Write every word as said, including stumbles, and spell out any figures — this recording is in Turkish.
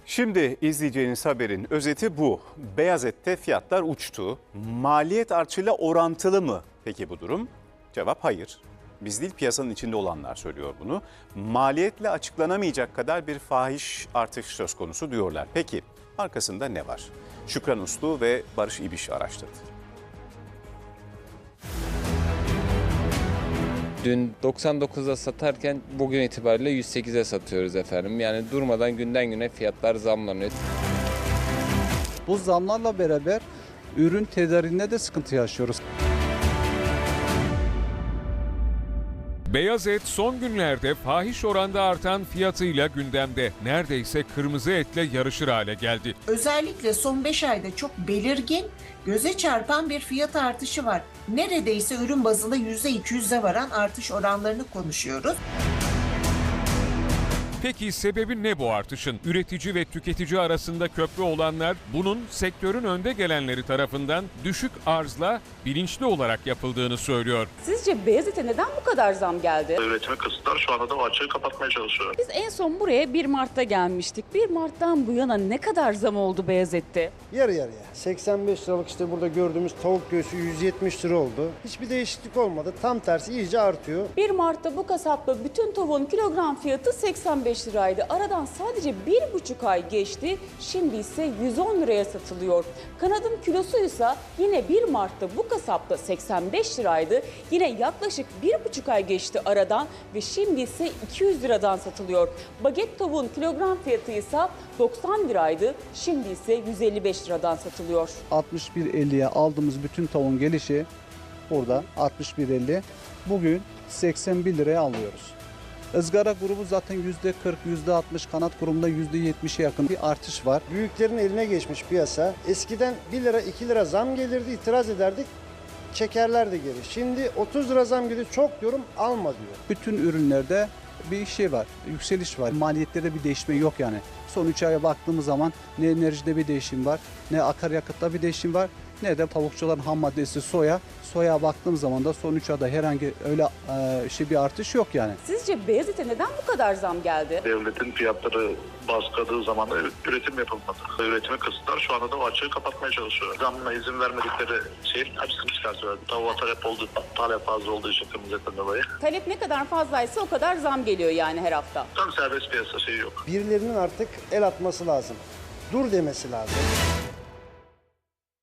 Şimdi izleyeceğiniz haberin özeti bu. Beyaz ette fiyatlar uçtu. Maliyet artışıyla orantılı mı peki bu durum? Cevap hayır. Biz değil, piyasanın içinde olanlar söylüyor bunu. Maliyetle açıklanamayacak kadar bir fahiş artış söz konusu diyorlar. Peki arkasında ne var? Şükran Uslu ve Barış İbiş araştırdı. Dün doksan dokuza satarken bugün itibariyle yüz sekize satıyoruz efendim. Yani durmadan günden güne fiyatlar zamlanıyor. Bu zamlarla beraber ürün tedariğinde de sıkıntı yaşıyoruz. Beyaz et son günlerde fahiş oranda artan fiyatıyla gündemde. Neredeyse kırmızı etle yarışır hale geldi. Özellikle son beş ayda çok belirgin, göze çarpan bir fiyat artışı var. Neredeyse ürün bazında yüzde iki yüze varan artış oranlarını konuşuyoruz. Peki sebebi ne bu artışın? Üretici ve tüketici arasında köprü olanlar bunun sektörün önde gelenleri tarafından düşük arzla bilinçli olarak yapıldığını söylüyor. Sizce beyaz ete neden bu kadar zam geldi? Üretimi kısıtlar, şu anda da o açığı kapatmaya çalışıyor. Biz en son buraya bir Mart'ta gelmiştik. bir Mart'tan bu yana ne kadar zam oldu beyaz ette? Yarı yarıya. seksen beş liralık işte burada gördüğümüz tavuk göğsü yüz yetmiş lira oldu. Hiçbir değişiklik olmadı. Tam tersi iyice artıyor. bir Mart'ta bu kasapta bütün tavuğun kilogram fiyatı seksen beş liraydı. Aradan sadece bir buçuk ay geçti. Şimdi ise yüz on liraya satılıyor. Kanadın kilosuysa yine bir Mart'ta bu kasapta seksen beş liraydı. Yine yaklaşık bir buçuk ay geçti aradan ve şimdi ise iki yüz liradan satılıyor. Baget tavuğun kilogram fiyatı ise doksan liraydı. Şimdi ise yüz elli beş liradan satılıyor. altmış bir elliye aldığımız bütün tavuğun gelişi burada altmış bir elli. Bugün seksen bir liraya alıyoruz. Izgara grubu zaten yüzde kırk, yüzde altmış, kanat grubunda yüzde yetmişe yakın bir artış var. Büyüklerin eline geçmiş piyasa. Eskiden bir lira iki lira zam gelirdi, itiraz ederdik. Çekerlerdi geri. Şimdi otuz lira zam geliyor, çok diyorum alma diyor. Bütün ürünlerde bir şey var, yükseliş var. Maliyetlerde bir değişme yok yani. Son üç aya baktığımız zaman ne enerjide bir değişim var, ne akaryakıtta bir değişim var, ne de tavukçuların ham maddesi soya. Soya baktığım zaman da son üç ayda herhangi öyle e, şey bir artış yok yani. Sizce beyaz ete neden bu kadar zam geldi? Devletin fiyatları baskıladığı zaman üretim yapılmadı. Üretimi kısıtlar, şu anda da o açığı kapatmaya çalışıyor. Zamına izin vermedikleri şeyin açısını çıkartıyor. Tavuğa talep olduğu, talep fazla olduğu için kırmızı etten dolayı. Talep ne kadar fazlaysa o kadar zam geliyor yani her hafta. Tam serbest piyasa şeyi yok. Birilerinin artık el atması lazım. Dur demesi lazım.